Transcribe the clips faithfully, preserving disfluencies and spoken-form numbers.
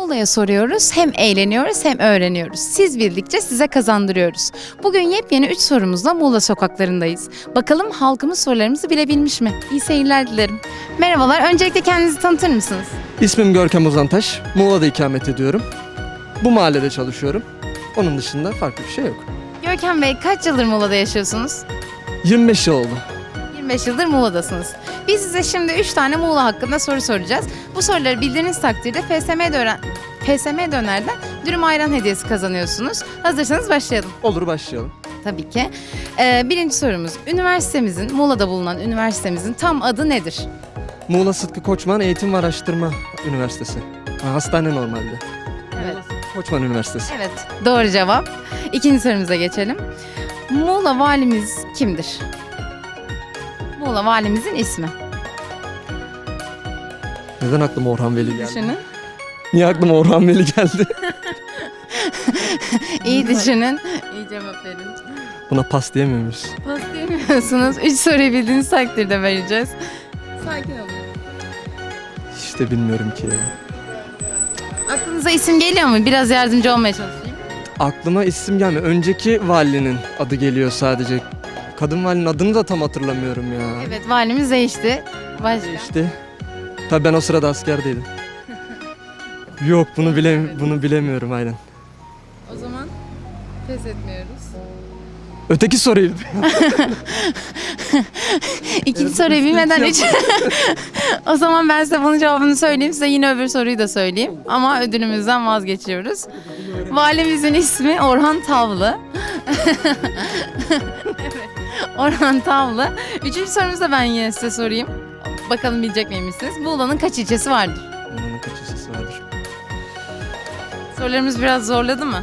Muğla'ya soruyoruz, hem eğleniyoruz hem öğreniyoruz. Siz bildikçe size kazandırıyoruz. Bugün yepyeni üç sorumuzla Muğla sokaklarındayız. Bakalım halkımız sorularımızı bilebilmiş mi? İyi seyirler dilerim. Merhabalar, öncelikle kendinizi tanıtır mısınız? İsmim Görkem Uzantaş. Muğla'da ikamet ediyorum. Bu mahallede çalışıyorum. Onun dışında farklı bir şey yok. Görkem Bey, kaç yıldır Muğla'da yaşıyorsunuz? yirmi beş yıl oldu. yirmi beş yıldır Muğla'dasınız. Biz size şimdi üç tane Muğla hakkında soru soracağız. Bu soruları bildiğiniz takdirde F S M Döner, F S M Döner'den dürüm ayran hediyesi kazanıyorsunuz. Hazırsanız başlayalım. Olur, başlayalım. Tabii ki. Ee, birinci sorumuz. Üniversitemizin, Muğla'da bulunan üniversitemizin tam adı nedir? Muğla Sıtkı Koçman Eğitim ve Araştırma Üniversitesi. Ha, hastane normalde. Evet. Koçman Üniversitesi. Evet, doğru cevap. İkinci sorumuza geçelim. Muğla valimiz kimdir? Muğla valimizin ismi. Neden aklıma Orhan Veli geldi? Düşünün. Niye aklıma Orhan Veli geldi? İyi düşünün. İyi cevap verin. Buna pas diyemiyor muyuz? Pas diyemiyorsunuz. Üç soruyu bildiğiniz takdirde vereceğiz. Sakin olun. İşte bilmiyorum ki ya. Aklınıza isim geliyor mu? Biraz yardımcı olmaya çalışayım. Aklıma isim gelmiyor. Önceki valinin adı geliyor sadece. Kadın valinin adını da tam hatırlamıyorum ya. Evet, valimiz değişti. Başka. İşte. Tabii ben o sırada askerdeydim. Yok, bunu bile bunu bilemiyorum aynen. O zaman pes etmiyoruz. Öteki soruyu. İkinci soruyu bilmeden üç. O zaman ben size bunun cevabını söyleyeyim. Size yine öbür soruyu da söyleyeyim. Ama ödülümüzden vazgeçiyoruz. Valimizin ismi Orhan Tavlı. Evet, Orhan Tavlı. Üçüncü sorumuzu da ben yine size sorayım. Bakalım bilecek miymişsiniz? Muğla'nın kaç ilçesi vardır? Onun kaç ilçesi vardır? Sorularımız biraz zorladı mı?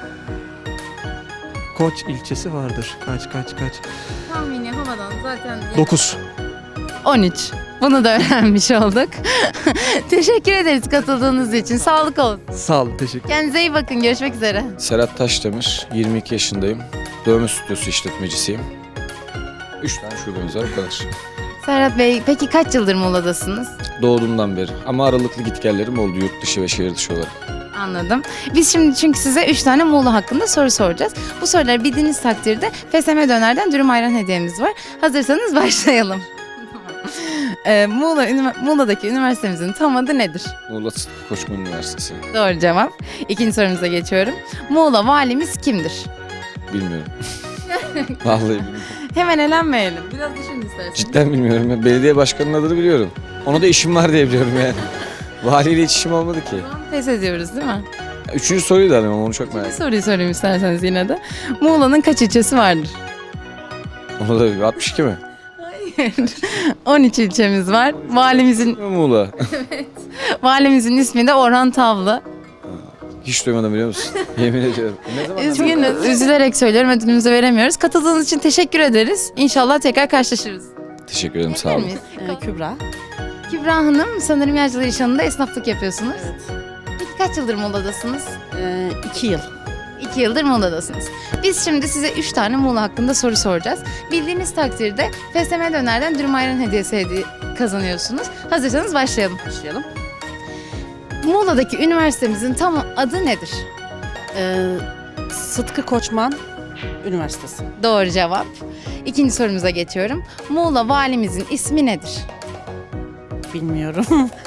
Koç ilçesi vardır. Kaç kaç kaç? Tahmini havadan zaten... dokuz. on üç. Bunu da öğrenmiş olduk. Teşekkür ederiz katıldığınız için. Sağlık olsun. Sağ olun, teşekkür. Kendinize iyi bakın. Görüşmek üzere. Serhat Taşdemir, yirmi iki yaşındayım. Dövme stüdyosu işletmecisiyim. üç tane şubemiz var, o kadar. Serhat Bey, peki kaç yıldır Muğla'dasınız? Doğduğumdan beri. Ama aralıklı gitgellerim oldu yurt dışı ve şehir dışı olarak. Anladım. Biz şimdi çünkü size üç tane Muğla hakkında soru soracağız. Bu soruları bildiğiniz takdirde F S M Döner'den dürüm ayran hediyemiz var. Hazırsanız başlayalım. ee, Muğla, Ünivers- Muğla'daki üniversitemizin tam adı nedir? Muğla Sıtkı Koçman Üniversitesi. Doğru cevap. İkinci sorumuza geçiyorum. Muğla valimiz kimdir? Bilmiyorum. Vallahi bilmiyorum. Hemen elenmeyelim. Biraz düşün isterseniz. Cidden bilmiyorum. Ya. Belediye başkanının adını biliyorum. Ona da işim var diye biliyorum yani. Valiyle hiç işim olmadı ki. Pes ediyoruz değil mi? Üçüncü soruyu da alayım ama onu çok merak Bir ettim. soruyu sorayım isterseniz yine de. Muğla'nın kaç ilçesi vardır? Onu da bir altmış iki mi? Hayır. on üç ilçemiz var. Valimizin Muğla. valimizin ismi de Orhan Tavlı. Hiç duymadım biliyor musun? Yemin ediyorum. Ne zaman? Üzgünüz. Üzülerek söylüyorum, ödülümüzü veremiyoruz. Katıldığınız için teşekkür ederiz. İnşallah tekrar karşılaşırız. Teşekkür ederim, sağ olun. Miyiz? Ee, Kübra. Kübra Hanım, sanırım Yağcılar İşhanı'nda esnaflık yapıyorsunuz. Evet. Peki kaç yıldır Muğla'dasınız? Ee, iki yıl. İki yıldır Muğla'dasınız. Biz şimdi size üç tane Muğla hakkında soru soracağız. Bildiğiniz takdirde F S M Döner'den dürüm ayran hediyesi hediye kazanıyorsunuz. Hazırsanız başlayalım. Başlayalım. Muğla'daki üniversitemizin tam adı nedir? Ee, Sıtkı Koçman Üniversitesi. Doğru cevap. İkinci sorumuza geçiyorum. Muğla valimizin ismi nedir? Bilmiyorum.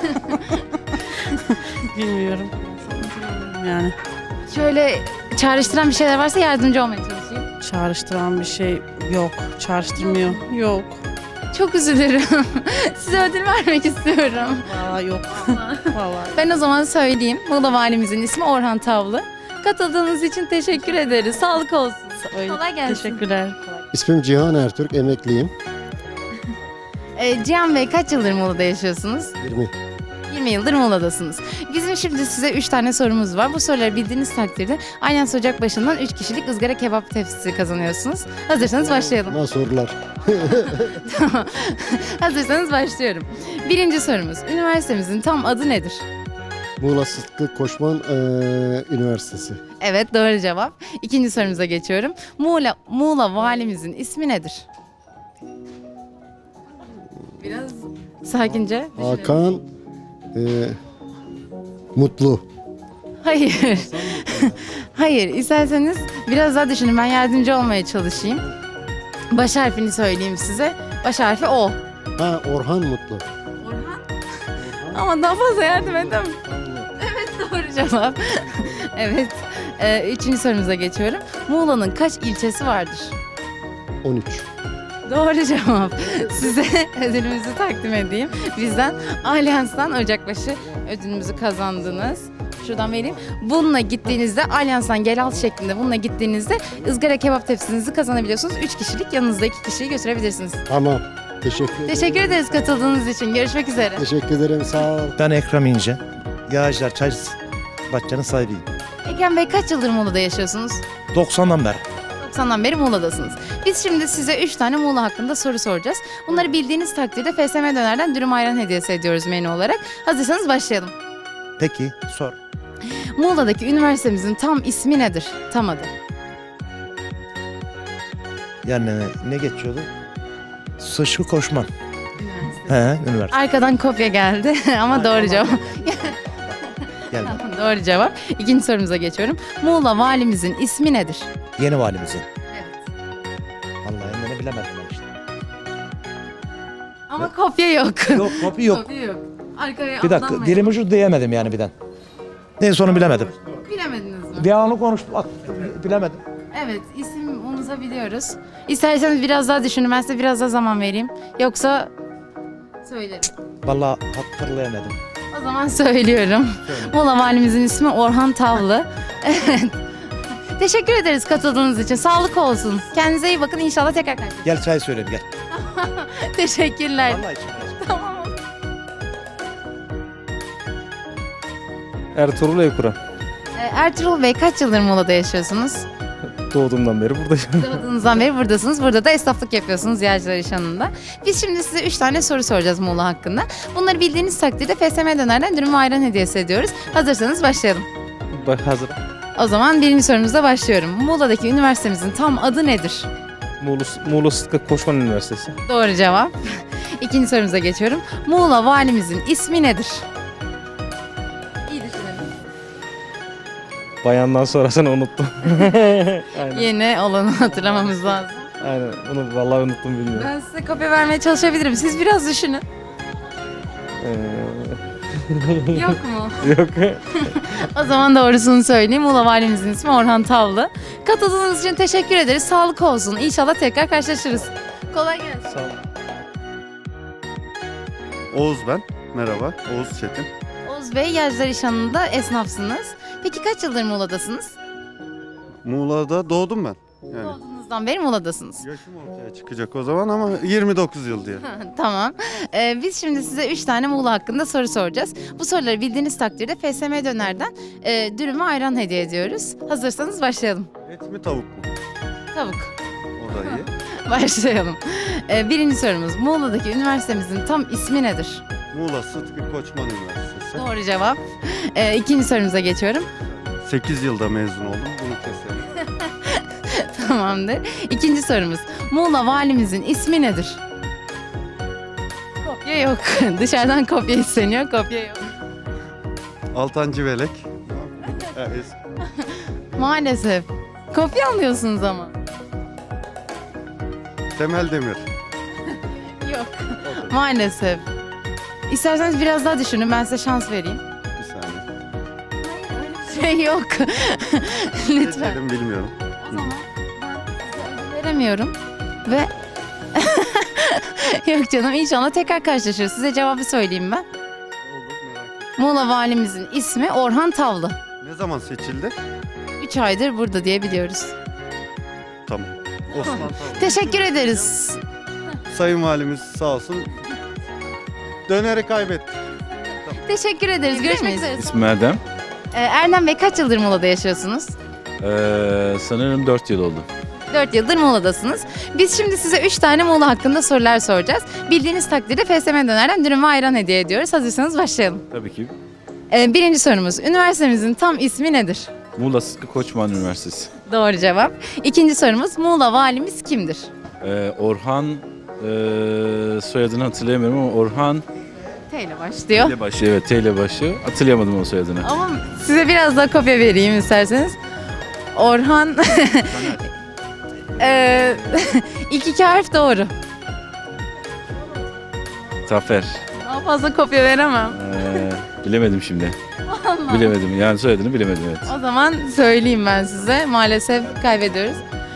Bilmiyorum. Yani Şöyle çağrıştıran bir şeyler varsa yardımcı olmaya çalışayım. çağrıştıran bir şey yok. Çağrıştırmıyor. Yok. Çok üzülürüm. Size ödül vermek istiyorum. Vallahi yok. Vallahi. Ben o zaman söyleyeyim. Muğla valimizin ismi Orhan Tavlı. Katıldığınız için teşekkür ederiz. Sağlık olsun. Öyle. Kolay gelsin. Teşekkürler. İsmim Cihan Ertürk, emekliyim. Ee, Cihan Bey, kaç yıldır Muğla'da yaşıyorsunuz? yirmi. yirmi yıldır Muğla'dasınız. Bizim şimdi size üç tane sorumuz var. Bu soruları bildiğiniz takdirde aynen ocak başından üç kişilik ızgara kebap tepsisi kazanıyorsunuz. Hazırsanız başlayalım. Ama sorular. Tamam. Hazırsanız başlıyorum. Birinci sorumuz. Üniversitemizin tam adı nedir? Muğla Sıtkı Koçman eee, Üniversitesi. Evet, doğru cevap. İkinci sorumuza geçiyorum. Muğla, Muğla valimizin ismi nedir? Biraz sakince düşünelim. Hakan eee, Mutlu. Hayır. Hayır, isterseniz biraz daha düşünün. Ben yardımcı olmaya çalışayım. Baş harfini söyleyeyim size. Baş harfi O. Ha, Orhan Mutlu. Orhan. Ama daha fazla yardım edemem. Evet, doğru cevap. Evet. Ee, üçüncü sorumuza geçiyorum. Muğla'nın kaç ilçesi vardır? on üç. Doğru cevap. Size ödülümüzü takdim edeyim. Bizden Alyans'tan Ocakbaşı ödülümüzü kazandınız. Şuradan vereyim. Bununla gittiğinizde Alyans'tan gel al şeklinde bununla gittiğinizde ızgara kebap tepsinizi kazanabiliyorsunuz. üç kişilik yanınızda iki kişiyi götürebilirsiniz. Tamam. Teşekkür ederim. Teşekkür ederiz katıldığınız için. Görüşmek üzere. Teşekkür ederim. Sağ ol. Ben Ekrem İnce. Yağcılar Çay Bahçe'nin sahibiyim. Ekrem Bey kaç yıldır Muğla'da yaşıyorsunuz? doksandan beri. doksandan beri Muğla'dasınız. Biz şimdi size üç tane Muğla hakkında soru soracağız. Bunları bildiğiniz takdirde F S M Döner'den dürüm ayran hediyesi ediyoruz menü olarak. Hazırsanız başlayalım. Peki sor. Muğla'daki üniversitemizin tam ismi nedir? Tam adı. Yani ne geçiyordu? Sıçkı Koçman. He, üniversite. Arkadan kopya geldi ama doğru cevap. Geldi. Doğru cevap. İkinci sorumuza geçiyorum. Muğla valimizin ismi nedir? Yeni valimizin. Evet. Vallahi ne bilemedim ben işte. Ama kopya yok. Yok kopi yok. Kopya yok. Arkaya Bir dakika aldanmayın. dilim ucu diyemedim yani birden. Ne sonu bilemedim. Bilemediniz mi? Bir anı konuştum bak bilemedim. Evet, isim unutabiliyoruz. İsterseniz biraz daha düşünün, ben size biraz daha zaman vereyim. Yoksa söylerim. Vallahi hatırlayamadım. O zaman söylüyorum. Muğla valimizin ismi Orhan Tavlı. Evet. Teşekkür ederiz katıldığınız için. Sağlık olsun. Kendinize iyi bakın. İnşallah tekrar karşılaşırız. Gel çay söyleyeyim gel. Teşekkürler. Vallahi içim biraz. Tamam. Ertuğrul Evkuran. Ee, Ertuğrul Bey kaç yıldır Muğla'da yaşıyorsunuz? Doğduğumdan beri buradayım. Doğduğunuzdan beri buradasınız. Burada da esnaflık yapıyorsunuz Yağcılar İş Hanı'nda. Biz şimdi size üç tane soru soracağız Muğla hakkında. Bunları bildiğiniz takdirde F S M Döner'den dürüm ve ayran hediyesi ediyoruz. Hazırsanız başlayalım. Bak hazır. O zaman birinci sorumuzla başlıyorum. Muğla'daki üniversitemizin tam adı nedir? Muğla, Muğla Sıtkı Koçman Üniversitesi. Doğru cevap. İkinci sorumuza geçiyorum. Muğla valimizin ismi nedir? İyi düşünelim. Bayandan sonrasını unuttum. Aynen. Yeni olanı hatırlamamız lazım. Aynen. Bunu vallahi unuttum bilmiyorum. Ben size kopya vermeye çalışabilirim. Siz biraz düşünün. Ee, Yok mu? yok. O zaman doğrusunu söyleyeyim. Muğla valimizin ismi Orhan Tavlı. Katıldığınız için teşekkür ederiz. Sağlık olsun. İnşallah tekrar karşılaşırız. Kolay gelsin. Sağ olun. Oğuz ben. Merhaba. Oğuz Çetin. Oğuz Bey, Yağcılar İş Hanı'nda esnafsınız. Peki kaç yıldır Muğla'dasınız? Muğla'da doğdum ben. Yani Doğduğunuzdan beri Muğla'dasınız. yaşım ortaya çıkacak o zaman ama yirmi dokuz yıl diye. Tamam. Ee, biz şimdi size üç tane Muğla hakkında soru soracağız. Bu soruları bildiğiniz takdirde F S M Döner'den e, dürüm ve ayran hediye ediyoruz. Hazırsanız başlayalım. Et mi tavuk mu? Tavuk. O da iyi. Başlayalım. Ee, birinci sorumuz. Muğla'daki üniversitemizin tam ismi nedir? Muğla Sıtkı Koçman Üniversitesi. Doğru cevap. Ee, ikinci sorumuza geçiyorum. sekiz yılda mezun oldum. Bunu keselim. Tamamdır. İkinci sorumuz. Muğla valimizin ismi nedir? Kopya yok. Dışarıdan kopya isteniyor. Kopya yok. Altan Civelek. Ha, es- Maalesef. Kopya alıyorsunuz ama. Temel Demir. Yok. Maalesef. İsterseniz biraz daha düşünün. Ben size şans vereyim. Bir saniye. Şey yok. Lütfen. Keselim bilmiyorum. O zaman ben size ödül veremiyorum. Ve yok canım, inşallah tekrar karşılaşırız. Size cevabı söyleyeyim ben. Olur merak ettim. Muğla valimizin ismi Orhan Tavlı. Ne zaman seçildi? üç aydır burada diye biliyoruz. Tamam. Osman Tavuk. Teşekkür ederiz. Sayın Valimiz sağ olsun. Döneri kaybettik. Teşekkür ederiz. Görüşmek üzere. İsmim Erdem. Ee, Erdem Bey kaç yıldır Muğla'da yaşıyorsunuz? Ee, sanırım dört yıl oldu. dört yıldır Muğla'dasınız. Biz şimdi size üç tane Muğla hakkında sorular soracağız. Bildiğiniz takdirde F S M Döner'den dürüm ve ayran hediye ediyoruz. Hazırsanız başlayalım. Tabii ki. Ee, birinci sorumuz. Üniversitemizin tam ismi nedir? Muğla Sıtkı Koçman Üniversitesi. Doğru cevap. İkinci sorumuz. Muğla valimiz kimdir? Ee, Orhan, ee, soyadını hatırlayamıyorum ama Orhan T ile başlıyor. T ile başlıyor, evet T ile başlıyor. Hatırlayamadım o soyadını. Ama size biraz daha kopya vereyim isterseniz. Orhan. Ee, ilk iki harf doğru. Zafer. Daha fazla kopya veremem. Ee, bilemedim şimdi. Bilemedim. Yani soyadını bilemedim, evet. O zaman söyleyeyim ben size. Maalesef kaybediyoruz.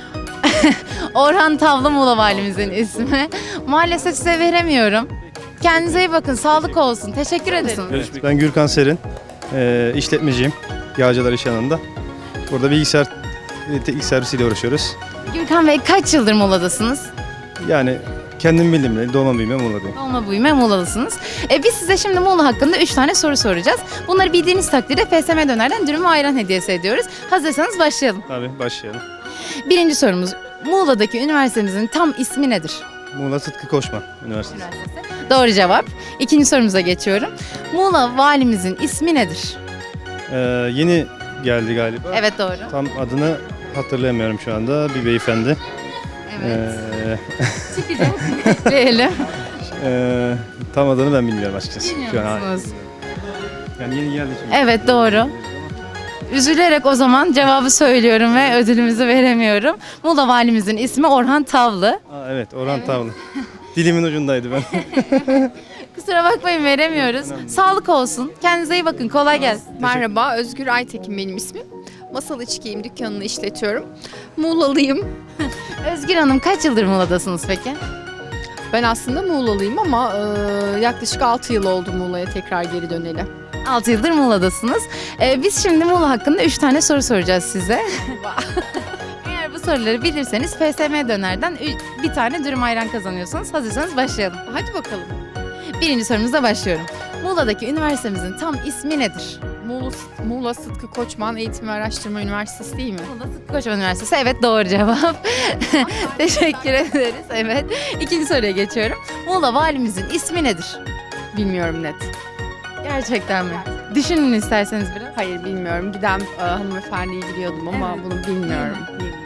Orhan Tavla Muğla Valimizin ismi. Maalesef size veremiyorum. Kendinize iyi bakın. Sağlık olsun. Teşekkür ederim. Ben Gürkan Serin, e, işletmeciyim. Yağcılar İş Yanı'nda. Burada bilgisayar teknik servisiyle uğraşıyoruz. Gürkan Bey kaç yıldır Muğla'dasınız? Yani kendim bildiğimle doğma büyüme Muğla'dayım. Doğma büyüme Muğla'lısınız. E, biz size şimdi Muğla hakkında üç tane soru soracağız. Bunları bildiğiniz takdirde F S M Döner'den dürüm ve ayran hediyesi ediyoruz. Hazırsanız başlayalım. Tabii başlayalım. Birinci sorumuz. Muğla'daki üniversitemizin tam ismi nedir? Muğla Sıtkı Koçman Üniversitesi. Doğru cevap. İkinci sorumuza geçiyorum. Muğla valimizin ismi nedir? E, yeni geldi galiba. Evet doğru. Tam adını hatırlayamıyorum şu anda. Bir beyefendi. Evet. E, Çıkacak. Bekleyelim. e, tam adını ben bilmiyorum açıkçası. Şu an, Bilmiyor hayır. musunuz? Yani yeni geldi şimdi. Evet doğru. Üzülerek o zaman cevabı söylüyorum ve ödülümüzü veremiyorum. Muğla valimizin ismi Orhan Tavlı. Aa, evet Orhan Tavlı. Dilimin ucundaydı ben. Kusura bakmayın veremiyoruz. Sağlık olsun. Kendinize iyi bakın. Kolay gelsin. Merhaba, Özgür Aytekin benim ismim. Masal İç Giyim dükkanını işletiyorum. Muğlalıyım. Özgür Hanım kaç yıldır Muğla'dasınız peki? Ben aslında Muğlalıyım ama e, yaklaşık altı yıl oldu Muğla'ya tekrar geri döneli. altı yıldır Muğla'dasınız. Ee, biz şimdi Muğla hakkında üç tane soru soracağız size. Eğer bu soruları bilirseniz F S M Döner'den ü- bir tane dürüm ayran kazanıyorsunuz. Hazırsanız başlayalım. Hadi bakalım. Birinci sorumuzla başlıyorum. Muğla'daki üniversitemizin tam ismi nedir? Muğla, Muğla Sıtkı Koçman Eğitim ve Araştırma Üniversitesi değil mi? Muğla Sıtkı Koçman Üniversitesi. Evet doğru cevap. Teşekkür ederiz. Evet. İkinci soruya geçiyorum. Muğla valimizin ismi nedir? Bilmiyorum net. Gerçekten mi? Düşünün isterseniz biraz. Hayır bilmiyorum. Giden e, hanımefendiyi biliyordum ama Evet. bunu bilmiyorum.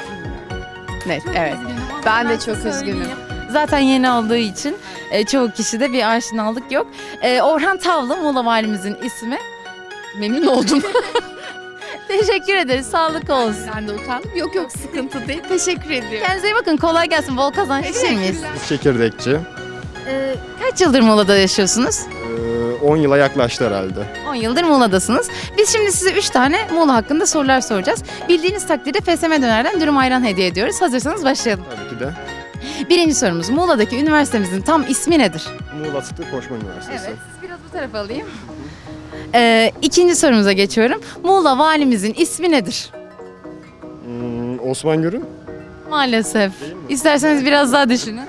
Net, evet. Ben de çok üzgünüm. Zaten yeni olduğu için e, çoğu kişide bir aşinalık yok. E, Orhan Tavlı Muğla valimizin ismi. Memnun oldum. Teşekkür ederiz. Sağlık olsun. Ben de utandım. Yok yok sıkıntı değil. Teşekkür ediyorum. Kendinize iyi bakın. Kolay gelsin. Bol kazanç diler miyiz? Çekirdekçi. E, kaç yıldır Muğla'da yaşıyorsunuz? on yıla yaklaştı herhalde. on yıldır Muğla'dasınız. Biz şimdi size üç tane Muğla hakkında sorular soracağız. Bildiğiniz takdirde F S M Döner'den dürüm ayran hediye ediyoruz. Hazırsanız başlayalım. Tabii ki de. Birinci sorumuz. Muğla'daki üniversitemizin tam ismi nedir? Muğla Sıtkı Koçman Üniversitesi. Evet. Siz biraz bu tarafa alayım. Ee, ikinci sorumuza geçiyorum. Muğla valimizin ismi nedir? Hmm, Osman Gürün. Maalesef. İsterseniz biraz daha düşünün.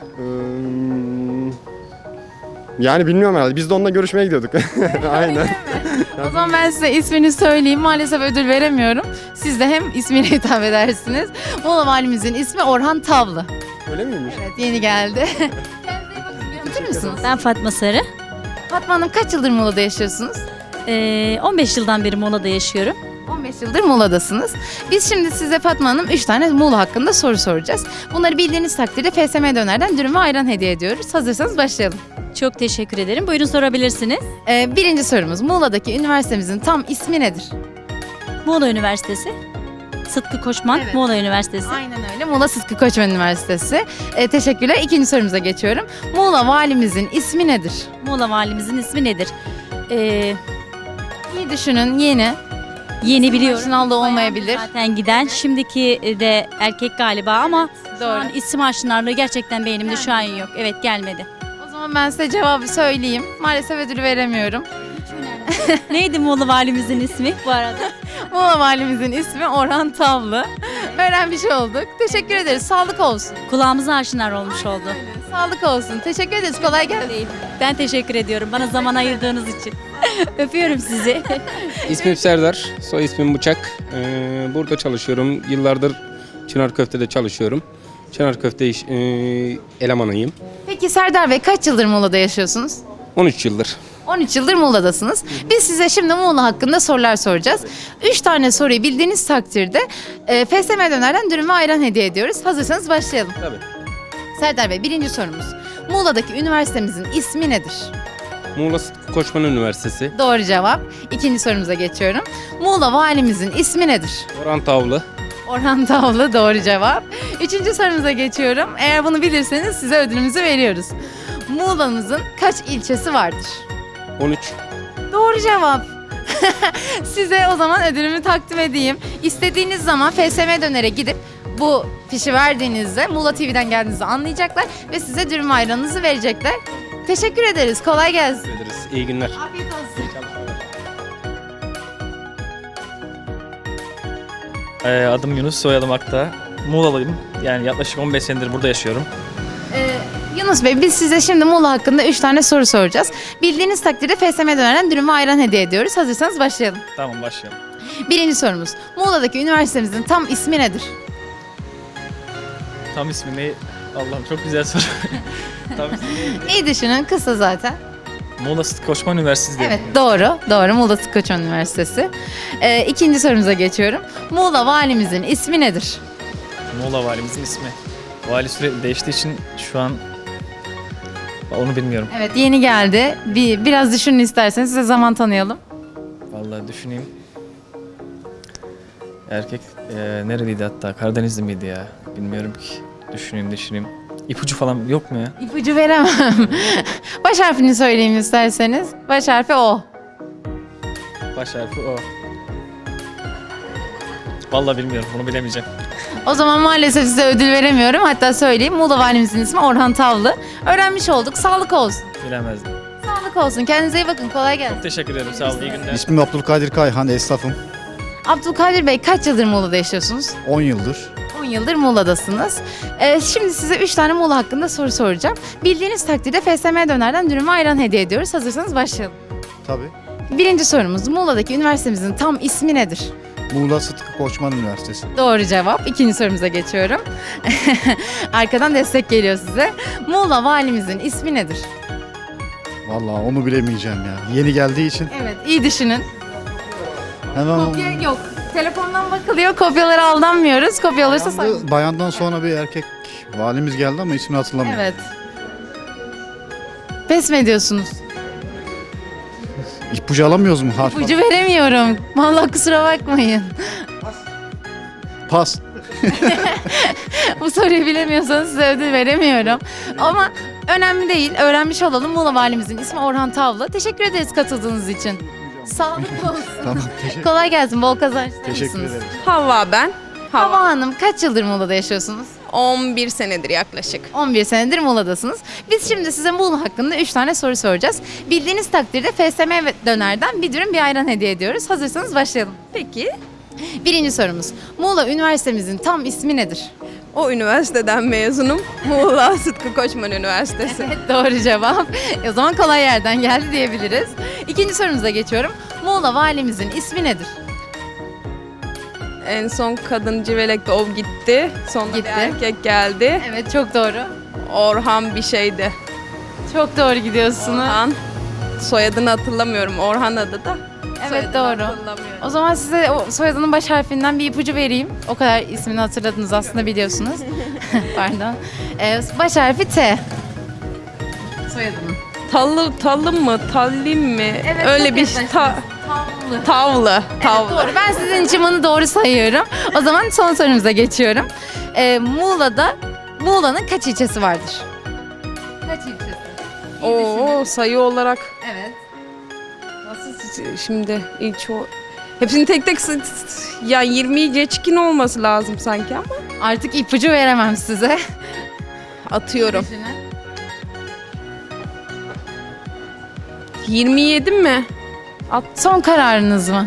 Hmm, yani bilmiyorum herhalde. Biz de onunla görüşmeye gidiyorduk. Aynen. O zaman ben size ismini söyleyeyim. Maalesef ödül veremiyorum. Siz de hem ismiyle hitap edersiniz. Muğla valimizin ismi Orhan Tavlı. Öyle miymiş? Evet yeni geldi. Unutur musunuz? Ben Fatma Sarı. Fatma Hanım kaç yıldır Muğla'da yaşıyorsunuz? Ee, on beş yıldan beri Muğla'da yaşıyorum. on beş yıldır Muğla'dasınız. Biz şimdi size Fatma Hanım üç tane Muğla hakkında soru soracağız. Bunları bildiğiniz takdirde F S M Döner'den dürüm ve ayran hediye ediyoruz. Hazırsanız başlayalım. Çok teşekkür ederim. Buyurun sorabilirsiniz. Ee, birinci sorumuz. Muğla'daki üniversitemizin tam ismi nedir? Muğla Üniversitesi. Sıtkı Koçman, Evet. Muğla Üniversitesi. Aynen öyle. Muğla Sıtkı Koçman Üniversitesi. Ee, teşekkürler. İkinci sorumuza geçiyorum. Muğla valimizin ismi nedir? Muğla valimizin ismi nedir? Ee, İyi düşünün. Yeni. yeni biliyorum. Aşinalığı olmayabilir. Zaten giden. Şimdiki de erkek galiba ama şu an isim aşinalığı gerçekten beynimde şu an yok. Evet gelmedi. O zaman ben size cevabı söyleyeyim. Maalesef ödülü veremiyorum. Neydi Muğla valimizin ismi bu arada? Muğla valimizin ismi Orhan Tavlı. Öğrenmiş olduk. Teşekkür ederiz. Sağlık olsun. Kulağımıza aşinar olmuş oldu. Sağlık olsun. Teşekkür ederiz. Kolay gelsin. Ben teşekkür ediyorum bana zaman ayırdığınız için. Öpüyorum sizi. İsmim Serdar, soy ismim Bıçak. Ee, burada çalışıyorum. Yıllardır Çınar Köfte'de çalışıyorum. Çınar Köfte iş, e, elemanıyım. Peki Serdar Bey kaç yıldır Muğla'da yaşıyorsunuz? on üç yıldır. on üç yıldır Muğla'dasınız. Biz size şimdi Muğla hakkında sorular soracağız. üç tane soruyu bildiğiniz takdirde e, F S M Döner'den dürüm ve ayran hediye ediyoruz. Hazırsanız başlayalım. Tabii. Serdar Bey birinci sorumuz. Muğla'daki üniversitemizin ismi nedir? Muğla Sıtkı Koçman Üniversitesi. Doğru cevap. İkinci sorumuza geçiyorum. Muğla valimizin ismi nedir? Orhan Tavlı. Orhan Tavlı doğru cevap. Üçüncü sorumuza geçiyorum. Eğer bunu bilirseniz size ödülümüzü veriyoruz. Muğla'mızın kaç ilçesi vardır? on üç. Doğru cevap. Size o zaman ödülümü takdim edeyim. İstediğiniz zaman F S M Döner'e gidip bu fişi verdiğinizde Muğla T V'den geldiğinizi anlayacaklar ve size dürüm ayranınızı verecekler. Teşekkür ederiz. Kolay gelsin. Teşekkür ederiz. İyi günler. Afiyet olsun. Ee, adım Yunus, soyadım Akta. Muğla'lıyım. Yani yaklaşık on beş senedir burada yaşıyorum. Ee, Yunus Bey, biz size şimdi Muğla hakkında üç tane soru soracağız. Bildiğiniz takdirde F S M Döner'den dürüm ve ayran hediye ediyoruz. Hazırsanız başlayalım. Tamam, başlayalım. Birinci sorumuz. Muğla'daki üniversitemizin tam ismi nedir? Tam ismi ne? Allah'ım çok güzel soru. Tam ismi neydi? İyi düşünün, kısa zaten. Muğla Sıtkı Koçman Üniversitesi diye. Evet, doğru. Doğru. Muğla Sıtkı Koçman Üniversitesi. Ee, ikinci sorumuza geçiyorum. Muğla valimizin ismi nedir? Muğla valimizin ismi. Vali sürekli değiştiği için şu an onu bilmiyorum. Evet, yeni geldi. Bir biraz düşünün isterseniz, size zaman tanıyalım. Vallahi düşüneyim. Erkek e, nereliydi hatta? Karadenizli miydi ya? Bilmiyorum ki. Düşüneyim düşüneyim. İpucu falan yok mu ya? İpucu veremem. Baş harfini söyleyeyim isterseniz. Baş harfi O. Baş harfi o. Vallahi bilmiyorum. Bunu bilemeyeceğim. O zaman maalesef size ödül veremiyorum. Hatta söyleyeyim. Muğla valimizin ismi Orhan Tavlı. Öğrenmiş olduk. Sağlık olsun. Bilemezdim. Sağlık olsun. Kendinize iyi bakın. Kolay gelsin. Teşekkür ederim. Sağ olun. İyi günler. İsmim Abdülkadir Kayhan, esnafım. Abdülkadir Bey, kaç yıldır Muğla'da yaşıyorsunuz? on yıldır. on yıldır Muğla'dasınız. Ee, şimdi size üç tane Muğla hakkında soru soracağım. Bildiğiniz takdirde F S M Döner'den dürüm ve ayran hediye ediyoruz. Hazırsanız başlayalım. Tabii. Birinci sorumuz. Muğla'daki üniversitemizin tam ismi nedir? Muğla Sıtkı Koçman Üniversitesi. Doğru cevap. İkinci sorumuza geçiyorum. Arkadan destek geliyor size. Muğla valimizin ismi nedir? Vallahi onu bilemeyeceğim ya. Yeni geldiği için Evet, iyi düşünün. hemen Kopya yok. Telefondan bakılıyor. Kopyalara aldanmıyoruz. Kopya olursa say- bayandı, bayandan sonra bir erkek valimiz geldi ama ismini hatırlamıyorum. Evet. Pes mi ediyorsunuz? İpucu alamıyoruz mu? Harf. İpucu veremiyorum. Vallahi kusura bakmayın. Pas. Bu soruyu bilemiyorsanız size ödül veremiyorum. Ama önemli değil. Öğrenmiş olalım. Muğla valimizin ismi Orhan Tavlı. Teşekkür ederiz katıldığınız için. Sağlık olsun. Tamam, teşekkür, Kolay gelsin. Bol kazançlar teşekkür mısınız? ederim. Havva ben. Hava Hanım, kaç yıldır Muğla'da yaşıyorsunuz? on bir senedir yaklaşık. on bir senedir Muğla'dasınız. Biz şimdi size Muğla hakkında üç tane soru soracağız. Bildiğiniz takdirde F S M Döner'den bir dürüm bir ayran hediye ediyoruz. Hazırsanız başlayalım. Peki Birinci sorumuz. Muğla Üniversitemizin tam ismi nedir? o üniversiteden mezunum. Muğla Sıtkı Koçman Üniversitesi. Evet, doğru cevap. E, o zaman kolay yerden geldi diyebiliriz. İkinci sorumuza geçiyorum. Muğla valimizin ismi nedir? En son kadın Civelek'te o gitti. Sonra Gitti. bir erkek geldi. Evet, çok doğru. Orhan bir şeydi. Çok doğru gidiyorsunuz. Orhan. Soyadını hatırlamıyorum. Orhan adı da. Evet, Soyadını doğru. hatırlamıyorum. O zaman size o soyadının baş harfinden bir ipucu vereyim. O kadar ismini hatırladınız aslında, biliyorsunuz. Pardon. Ee, baş harfi T. Soyadının. Tallı, talım mı? Tallim mi? Evet, Öyle çok bir yaklaştınız. ta, Tavlı. tavlı. Tavlı. Evet, doğru. Ben sizin için bunu doğru sayıyorum. O zaman son sorumuza geçiyorum. Ee, Muğla'da, Muğla'nın kaç ilçesi vardır? Kaç ilçesi? Oo, sayı olarak Evet. nasıl şimdi ilk o hepsini tek tek s- s- ya yirmiyi geçkin olması lazım sanki ama Artık ipucu veremem size. atıyorum. Düşünün. yirmi yedi mi? Son kararınız mı?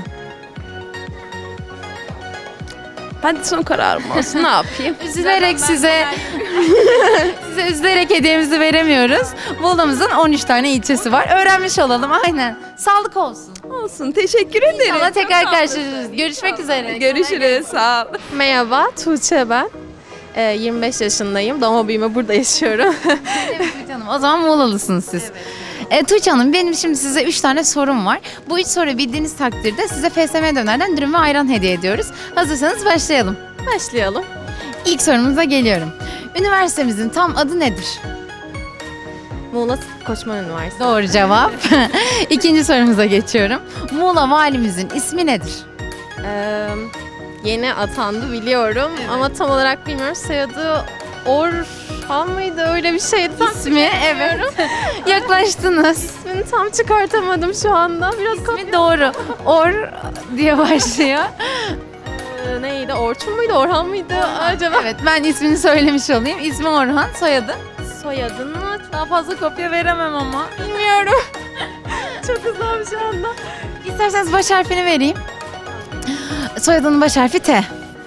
Hadi son kararım olsun. Ne yapayım? Üzülerek size size üzülerek hediyemizi veremiyoruz. Muğla'mızın on üç tane ilçesi var. Öğrenmiş olalım, aynen. Sağlık olsun. Olsun. Teşekkür ederim. İnşallah tekrar Çok sağ olun. karşılaşırız. Görüşmek üzere. Görüşürüz. Sağ ol. Merhaba, Tuğçe ben. Ee, yirmi beş yaşındayım. Doğma büyüme burada yaşıyorum. Evet Tuğçe Hanım, o zaman Muğla'lısınız siz. E, Tuğçe Hanım, benim şimdi size üç tane sorum var. Bu üç soruyu bildiğiniz takdirde size F S M Döner'den dürüm ve ayran hediye ediyoruz. Hazırsanız başlayalım. Başlayalım. İlk sorumuza geliyorum. Üniversitemizin tam adı nedir? Muğla Koçman Üniversitesi. Doğru cevap. İkinci sorumuza geçiyorum. Muğla valimizin ismi nedir? Ee, yeni atandı biliyorum ama tam olarak bilmiyorum. Soyadı Orhan mıydı? Öyle bir şeydi. Tam İsmi evet. Yaklaştınız. ismini tam çıkartamadım şu anda. Biraz İsmi doğru. Or diye başlıyor. Ee, neydi? Orçun muydu? Orhan mıydı acaba? Evet, ben ismini söylemiş olayım. İsmi Orhan, soyadı. Soyadını Daha fazla kopya veremem ama. bilmiyorum. Çok hızlı şu anda. İsterseniz baş harfini vereyim. Soyadının baş harfi T.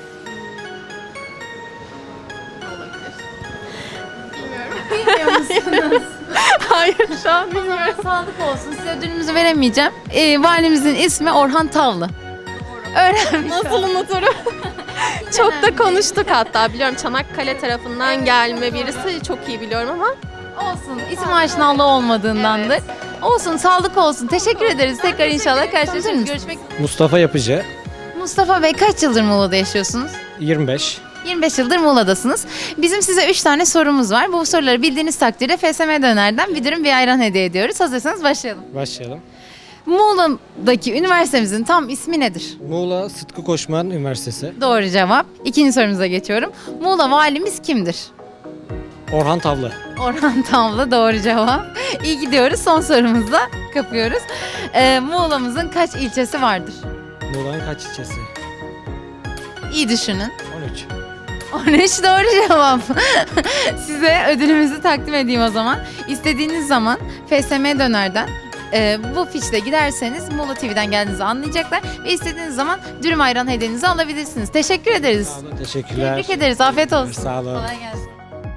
Bilmiyor musunuz? Hayır şu an bilmiyorum. Sağlık olsun. Size ödülümüzü veremeyeceğim. Ee, valimizin ismi Orhan Tavlı. Öğrenmiş Nasıl unuturum? Çok da konuştuk hatta. Biliyorum Çanakkale tarafından gelme birisi. Çok iyi biliyorum ama. olsun. İsim aşinalığı olmadığındandır. Olsun, sağlık olsun. Teşekkür ederiz. Tekrar inşallah karşılaşırız. Görüşmek üzere. Mustafa Yapıcı, Mustafa Bey, kaç yıldır Muğla'da yaşıyorsunuz? yirmi beş. yirmi beş yıldır Muğla'dasınız. Bizim size üç tane sorumuz var. Bu soruları bildiğiniz takdirde F S M Döner'den bir dürüm bir ayran hediye ediyoruz. Hazırsanız başlayalım. Başlayalım. Muğla'daki üniversitemizin tam ismi nedir? Muğla Sıtkı Koçman Üniversitesi. Doğru cevap. İkinci sorumuza geçiyorum. Muğla valimiz kimdir? Orhan Tavlı. Orhan Tavlı, doğru cevap. İyi gidiyoruz. Son sorumuzla kapıyoruz. Ee, Muğla'mızın kaç ilçesi vardır? Muğla'nın kaç ilçesi? İyi düşünün. on üç. on üç doğru cevap. Size ödülümüzü takdim edeyim o zaman. İstediğiniz zaman F S M Döner'den e, bu fişle giderseniz Muğla T V'den geldiğinizi anlayacaklar ve istediğiniz zaman dürüm ayran hediyenizi alabilirsiniz. Teşekkür ederiz. Sağ olun, teşekkürler. Tebrik ederiz. Afiyet olsun. Sağ olun. Kolay gelsin.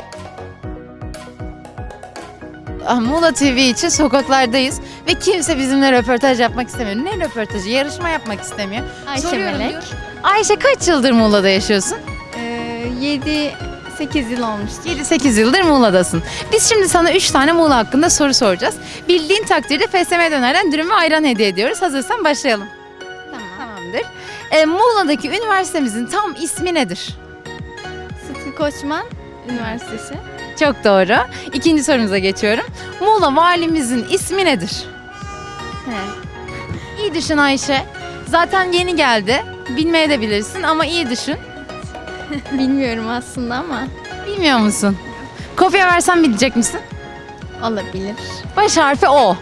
Ah, Muğla T V için sokaklardayız ve kimse bizimle röportaj yapmak istemiyor. Ne röportajı? Yarışma yapmak istemiyor. Ayşe Soruyorum Melek. diyor. Ayşe, kaç yıldır Muğla'da yaşıyorsun? yedi sekiz yıl olmuştu. yedi sekiz yıldır Muğla'dasın. Biz şimdi sana üç tane Muğla hakkında soru soracağız. Bildiğin takdirde F S M Döner'den dürüm ve ayran hediye ediyoruz. Hazırsan başlayalım. Tamam. Tamamdır. Ee, Muğla'daki üniversitemizin tam ismi nedir? Sıtkı Koçman Üniversitesi. Çok doğru. İkinci sorumuza geçiyorum. Muğla valimizin ismi nedir? He. İyi düşün Ayşe. Zaten yeni geldi. Bilmeye de bilirsin ama iyi düşün. Bilmiyorum aslında ama Bilmiyor musun? Kopya versem bilecek misin? olabilir. Baş harfi O.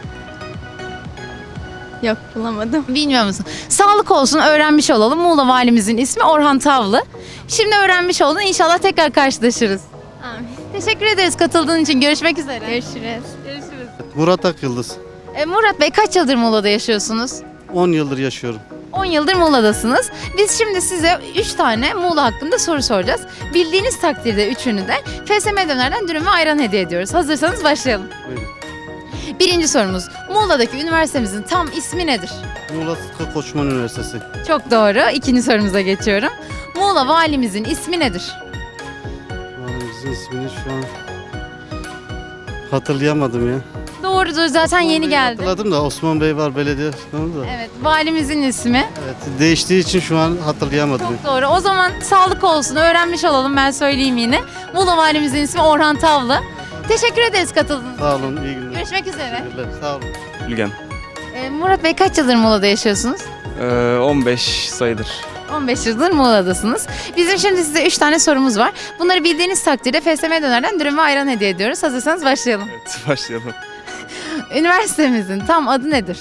Yok bulamadım. Bilmiyor musun? Sağlık olsun, öğrenmiş olalım. Muğla valimizin ismi Orhan Tavlı. Şimdi öğrenmiş oldun. İnşallah tekrar karşılaşırız. Amin. Teşekkür ederiz katıldığın için. Görüşmek üzere. Görüşürüz. Görüşürüz. Murat Akyıldız. E, Murat Bey, kaç yıldır Muğla'da yaşıyorsunuz? on yıldır yaşıyorum. on yıldır Muğla'dasınız. Biz şimdi size üç tane Muğla hakkında soru soracağız. Bildiğiniz takdirde üçünü de F S M Döner'den dürüm ve ayran hediye ediyoruz. Hazırsanız başlayalım. Buyurun. Birinci sorumuz. Muğla'daki üniversitemizin tam ismi nedir? Muğla Sıtkı Koçman Üniversitesi. Çok doğru. İkinci sorumuza geçiyorum. Muğla valimizin ismi nedir? Valimizin ismini şu an hatırlayamadım ya. Doğrudur. Zaten yeni geldi. Hatırladım da Osman Bey var belediye başkanı da. Evet. Valimizin ismi. Evet, değiştiği için şu an hatırlayamadım. Çok doğru. O zaman sağlık olsun. Öğrenmiş olalım. Ben söyleyeyim yine. Muğla valimizin ismi Orhan Tavlı. Teşekkür ederiz katıldığınız için. Sağ olun, iyi günler. Görüşmek üzere. Teşekkürler, sağ olun. Bilgen. Ee, Murat Bey, kaç yıldır Muğla'da yaşıyorsunuz? Ee, on beş sayıdır. on beş yıldır Muğla'dasınız. Bizim şimdi size üç tane sorumuz var. Bunları bildiğiniz takdirde F S M Döner'den dürüm ve ayran hediye ediyoruz. Hazırsanız başlayalım. Evet, başlayalım. Üniversitemizin tam adı nedir?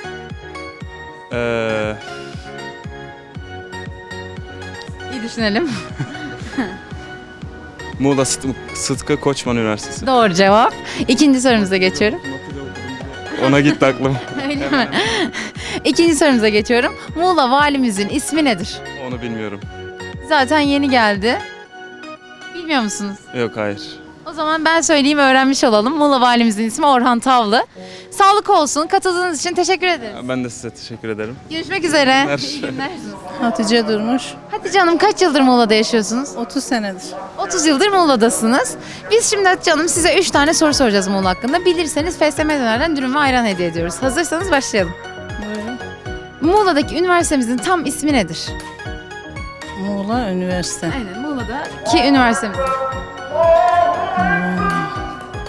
Ee, İyi düşünelim. Muğla Sıt- Sıtkı Koçman Üniversitesi. Doğru cevap. İkinci sorumuza geçiyorum. Ona gitti aklım. Öyle mi? İkinci sorumuza geçiyorum. Muğla valimizin ismi nedir? Onu bilmiyorum. Zaten yeni geldi. Bilmiyor musunuz? Yok, hayır. O zaman ben söyleyeyim, öğrenmiş olalım. Muğla valimizin ismi Orhan Tavlı. Sağlık olsun. Katıldığınız için teşekkür ederiz. Ben de size teşekkür ederim. Görüşmek üzere. günler. İyi günler. Hatice Durmuş. Hatice Hanım, kaç yıldır Muğla'da yaşıyorsunuz? otuz senedir. otuz yıldır Muğla'dasınız. Biz şimdi Hatice Hanım size üç tane soru soracağız Muğla hakkında. Bilirseniz F S M Döner'den dürüm ve ayran hediye ediyoruz. Hazırsanız başlayalım. Buyurun. Muğla'daki üniversitemizin tam ismi nedir? Muğla Üniversite. Aynen, Muğla'daki üniversitemiz.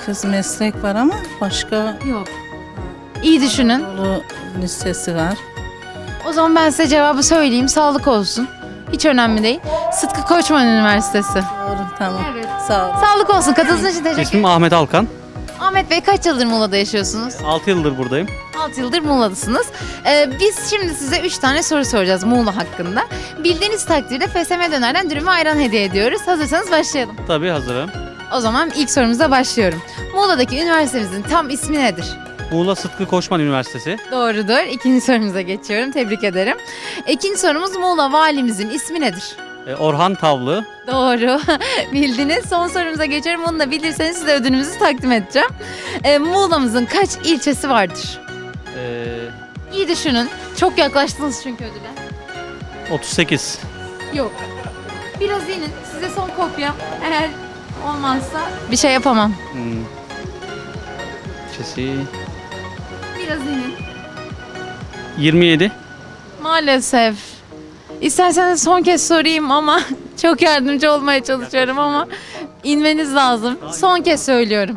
kız meslek var ama başka Yok. İyi düşünün. Anadolu Lisesi var. O zaman ben size cevabı söyleyeyim. Sağlık olsun. Hiç önemli değil. Sıtkı Koçman Üniversitesi. Doğru, tamam. Evet. Sağ ol. Sağlık olsun. Katıldığınız için teşekkür ederim. Ahmet Alkan. Ahmet Bey kaç yıldır Muğla'da yaşıyorsunuz? altı yıldır buradayım. altı yıldır Muğla'dasınız. Ee, biz şimdi size üç tane soru soracağız Muğla hakkında. Bildiğiniz takdirde F S M Döner'den dürüm ve ayran hediye ediyoruz. Hazırsanız başlayalım. Tabii hazırım. O zaman ilk sorumuza başlıyorum. Muğla'daki üniversitemizin tam ismi nedir? Muğla Sıtkı Koçman Üniversitesi. Doğrudur. İkinci sorumuza geçiyorum. Tebrik ederim. İkinci sorumuz Muğla valimizin ismi nedir? E, Orhan Tavlı. Doğru. Bildiniz. Son sorumuza geçiyorum. Onu da bilirseniz size ödülümüzü takdim edeceğim. Ee, Muğla'mızın kaç ilçesi vardır? E, İyi düşünün. Çok yaklaştınız çünkü ödüle. otuz sekiz. Yok. Biraz inin. Size son kopya. Eğer olmazsa bir şey yapamam. Hmm. İlçesi. Biraz inin. yirmi yedi. Maalesef. İsterseniz son kez sorayım ama çok yardımcı olmaya çalışıyorum ama inmeniz lazım. Son kez söylüyorum.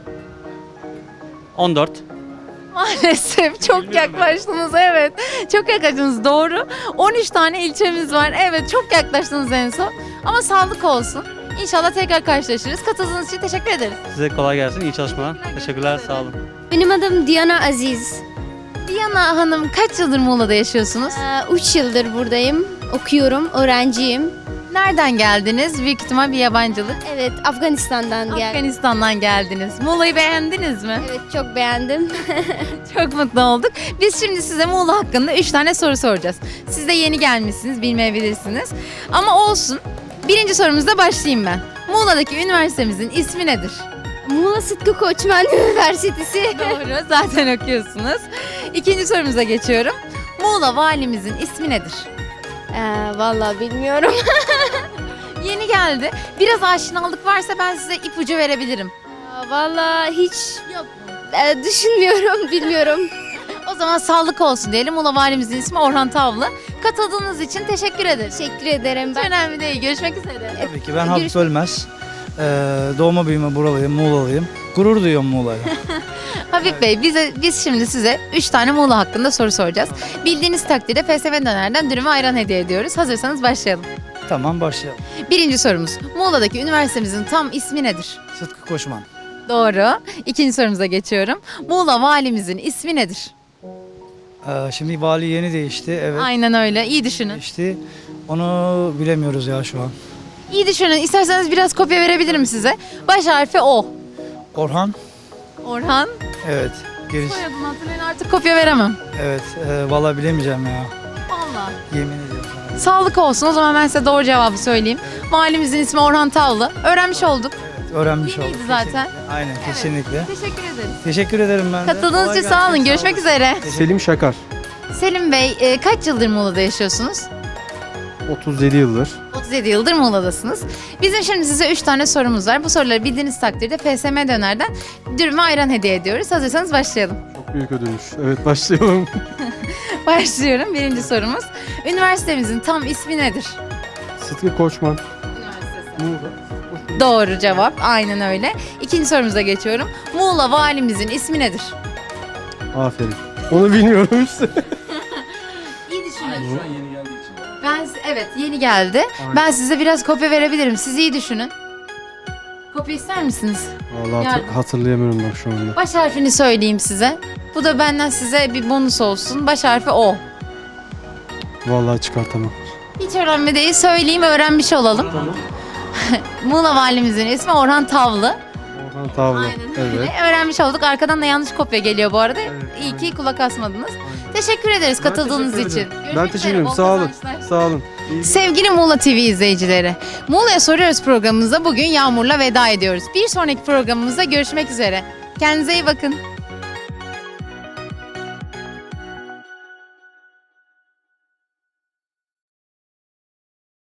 on dört. Maalesef çok yaklaştınız, evet. Çok yaklaştınız, doğru. on üç tane ilçemiz var. Evet, çok yaklaştınız en son. Ama sağlık olsun. İnşallah tekrar karşılaşırız. Katıldığınız için teşekkür ederiz. Size kolay gelsin. İyi çalışmalar. Teşekkürler. Sağ olun. Benim adım Diana Aziz. Diana Hanım kaç yıldır Muğla'da yaşıyorsunuz? üç yıldır buradayım. Okuyorum, öğrenciyim. Nereden geldiniz? Büyük ihtimal bir yabancılık. Evet, Afganistan'dan Afganistan'dan geldiniz. Muğla'yı beğendiniz mi? Evet, çok beğendim. Çok mutlu olduk. Biz şimdi size Muğla hakkında üç tane soru soracağız. Siz de yeni gelmişsiniz, bilmeyebilirsiniz. Ama olsun. Birinci sorumuzda başlayayım ben. Muğla'daki üniversitemizin ismi nedir? Muğla Sıtkı Koçman Üniversitesi. Doğru, zaten okuyorsunuz. İkinci sorumuza geçiyorum. Muğla valimizin ismi nedir? Ee, vallahi bilmiyorum. Yeni geldi. Biraz aşinalık varsa ben size ipucu verebilirim. Vallahi hiç Yok. e, düşünmüyorum, bilmiyorum. O zaman sağlık olsun diyelim. Muğla valimizin ismi Orhan Tavlı. Katıldığınız için teşekkür ederiz. Teşekkür ederim. Hiç önemli değil. Görüşmek üzere. Tabii ki ben Hafif Ölmez. Ee, doğma büyüme buralıyım, Muğla'lıyım. Gurur duyuyorum Muğla'ya. Habib Bey, bize, biz şimdi size üç tane Muğla hakkında soru soracağız. Bildiğiniz takdirde F S M Döner'den dürüm ve ayran hediye ediyoruz. Hazırsanız başlayalım. Tamam başlayalım. Birinci sorumuz. Muğla'daki üniversitemizin tam ismi nedir? Sıtkı Koçman. Doğru. İkinci sorumuza geçiyorum. Muğla valimizin ismi nedir? Ee, şimdi vali yeni değişti. Evet. Aynen öyle. İyi düşünün. Değişti. Onu bilemiyoruz ya şu an. İyi düşünün. İsterseniz biraz kopya verebilirim size. Baş harfi O. Orhan. Orhan. Evet. Giriş. Soyadını hatırlayın, artık kopya veremem. Evet. E, vallahi bilemeyeceğim ya. Vallahi. Yemin ediyorum sana. Sağlık olsun. O zaman ben size doğru cevabı söyleyeyim. Valimizin ismi Orhan Tavlı. Öğrenmiş olduk. Evet, öğrenmiş Yeniydi olduk. zaten. Kesinlikle. Aynen kesinlikle. Teşekkür ederiz. Teşekkür ederim ben de. Katıldığınız Kolay için sağ olun. gelsin, Görüşmek üzere. Selim Şakar. Selim Bey, e, kaç yıldır Muğla'da yaşıyorsunuz? otuz yedi yıldır. otuz yedi yıldır Muğla'dasınız. Bizim şimdi size üç tane sorumuz var. Bu soruları bildiğiniz takdirde F S M Döner'den dürüm ve ayran hediye ediyoruz. Hazırsanız başlayalım. Çok büyük ödülmüş. Evet başlayalım. Başlıyorum. Birinci sorumuz. Üniversitemizin tam ismi nedir? Sıtkı Koçman. Doğru cevap. Aynen öyle. İkinci sorumuza geçiyorum. Muğla valimizin ismi nedir? Aferin. Onu bilmiyorum işte. İyi düşünün. Ben evet yeni geldi. Ben size biraz kopya verebilirim. Siz iyi düşünün. Kopya ister misiniz? Vallahi hatır- hatırlayamıyorum bak şu anda. Baş harfini söyleyeyim size. Bu da benden size bir bonus olsun. Baş harfi O. Vallahi çıkartamam. Hiç önemli değil. Söyleyeyim, öğrenmiş olalım. Muğla valimizin ismi Orhan Tavlı. Orhan Tavla. Aynen öyle. Evet. Öğrenmiş olduk. Arkadan da yanlış kopya geliyor bu arada. İyi ki kulak asmadınız. Teşekkür ederiz katıldığınız teşekkür için. ederim. Görüşmek Ben teşekkür üzere, ederim. bol Sağ olun. kazançlar. Sağ olun. İyi Sevgili Muğla T V izleyicileri, Muğla'ya Soruyoruz programımıza bugün Yağmur'la veda ediyoruz. Bir sonraki programımızda görüşmek üzere. Kendinize iyi bakın.